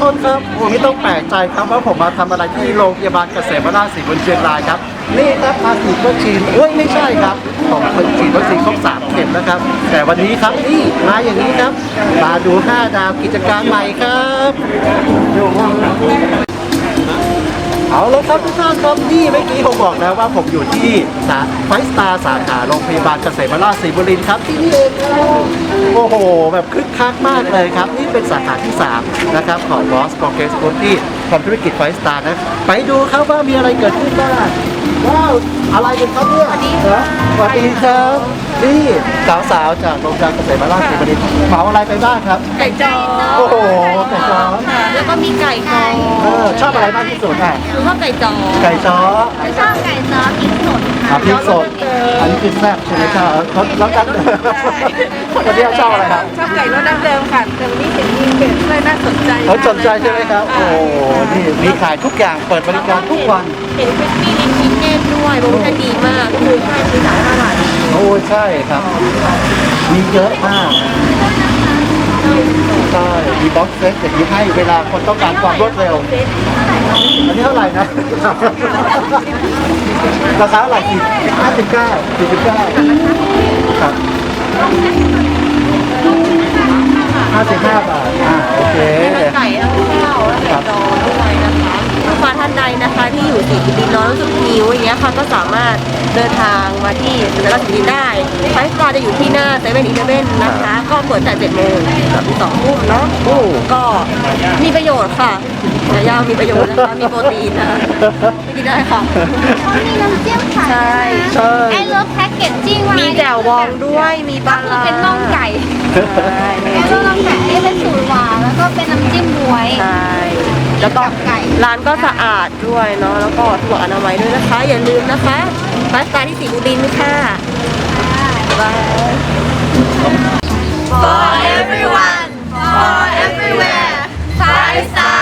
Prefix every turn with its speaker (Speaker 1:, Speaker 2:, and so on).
Speaker 1: คนครับผมไม่ต้องแปลกใจครับว่าผมมาทำอะไรที่โรงพยาบาลเกษมราชศรีบุญเชียงรายครับนี่ครับมาฉีดวัคซีนไม่ใช่ครับผมฉีดวัคซีนครบ3 เข็มนะครับแต่วันนี้ครับนี่มาอย่างนี้ครับมาดู5 ดาวกิจการใหม่ครับเอาเลยครับทุกท่านครับนี่เมื่อกี้ผมบอกแล้วว่าผมอยู่ที่ไฟสตาร์สาขาโรงพยาบาลเกษมราชศรีบุรีครับที่นี่เองโอ้โหแบบคึกคักมากเลยครับนี่เป็นสาขาที่3นะครับของ Boss Progress Group ที่ทำธุรกิจไฟสตาร์นะไปดูครับว่ามีอะไรเกิดขึ้นบ้างว้าวอะไรกันครับเนี่ยสวัสดีครับนี่สาวๆจากโรงพยาบาลเกษมราชศรีบุรีเหมาอะไรไปบ้างครับ
Speaker 2: ไก่จอ
Speaker 1: โอ้โหไก่จ้อ
Speaker 2: แล้วก็มีไก่คอ
Speaker 1: ชอบอะไรมากที่สุดอ่ะ
Speaker 2: หรือว่าไก่จอ
Speaker 1: ไก่จ้อ
Speaker 2: ชอบไก่จอพริกสด
Speaker 1: พริกสดอันนี้คือแซ่บใช่ไหมครับแล้วกันวันนี้ชอบอะไรครับ
Speaker 2: ชอบไก่รสดั้งเดิมค่ะแต่วันนี้เห็นมีเป็ดด้วยน่าสนใจ
Speaker 1: เขาสนใจใช่ไหมครับโอ้นี่มีขายทุกอย่างเปิดบริการทุกวัน
Speaker 2: เห็นคริสปี้ลิ้นชิ้นเน่ด้วยโปรโมชั่นดีมากคือใช่คือ35 บาท
Speaker 1: โอ้ใช่ครับมีเยอะมากใช่มีบ็อกเซตอย่างนี้ให้เวลาคนต้องการความรวดเร็วอันนี้เท่าไหร่นะราคาเท่าไหร่49ครับ55 บาทโอเค
Speaker 2: ไก่ทั้งข้าวและไก่จอด้วยนะคะลูกค้าท่านใดนะคะที่อยู่สีดินน้อยรู้สึกหิวอย่างเงี้ยค่ะก็สามารถเดินทางมาที่สุนทรสีดินได้ไฟสตาร์จะอยู่ที่หน้า7-Elevenนะคะก็เปิดแต่7 โมงถึง2 ทุ่มเนาะก็มีประโยชน์ค่ะเนื้อย่างมีประโยชน์นะคะมีโปรตีนนะคะไม่กินได้ค่ะ
Speaker 3: เขามีน้ำจิ้มขาย
Speaker 2: ใช่
Speaker 1: ใช่
Speaker 3: ไอ้รถแพ็กเกจจิ้งไว้
Speaker 2: มีแจ่วบองด้วยมีป
Speaker 3: ก็
Speaker 2: ลา
Speaker 3: คือเป็นน่องไก่
Speaker 2: ใช่
Speaker 3: ไอ้รถน่องไก่นี่เป็นสูตรหวานแล้วก็เป็นน้ำจิ้มบวย
Speaker 2: ใช่แล้วก็
Speaker 3: ไก่
Speaker 2: ร้านก็สะอาดด้วยเนาะแล้วก็ถูกอนามัยด้วยนะคะ อย่าลืมนะคะไฟสตาร์ที่ศรีบุรีค่ะบาย
Speaker 3: For everyone for everywhere Five Star